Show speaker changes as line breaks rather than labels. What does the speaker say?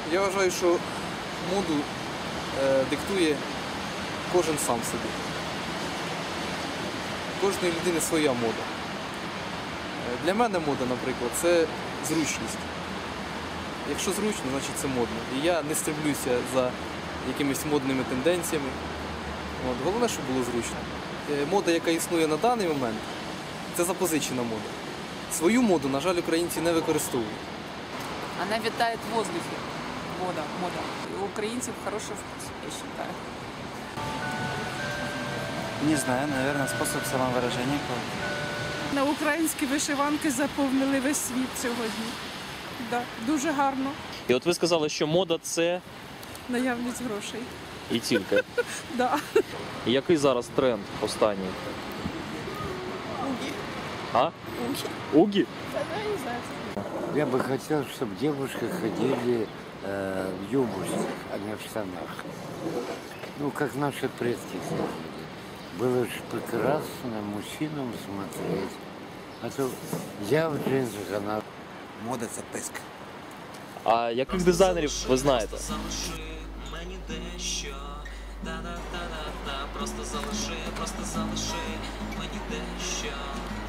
Я вважаю, що моду диктує кожен сам собі. Кожної людини своя мода. Для мене мода, наприклад, це зручність. Якщо зручно, значить це модно. І я не стремлюся за якимись модними тенденціями. Головне, щоб було зручно. Мода, яка існує на даний момент, це запозичена мода. Свою моду, на жаль, українці не використовують.
Она витает в воздухе. Мода. У украинцев хороший вкус, я считаю.
Не знаю, наверное, способ самовыражения.
На українські вишиванки заповнили весь світ сьогодні. Да, дуже гарно.
І от ви сказали, що мода – це
Наявність грошей.
і тільки.
Да.
І який зараз тренд останній?
Угі.
А?
Угі.
Угі?
Я бы хотел, чтобы девушки ходили в юбочках, а не в штанах. Ну, как наши предки ходили. Было же прекрасно мужчинам смотреть. А то я в джинсах, она...
Мода – це писк.
А яких дизайнерів ви знаєте?
Мені дещо, да-да-да-да-да, просто залиши мені дещо.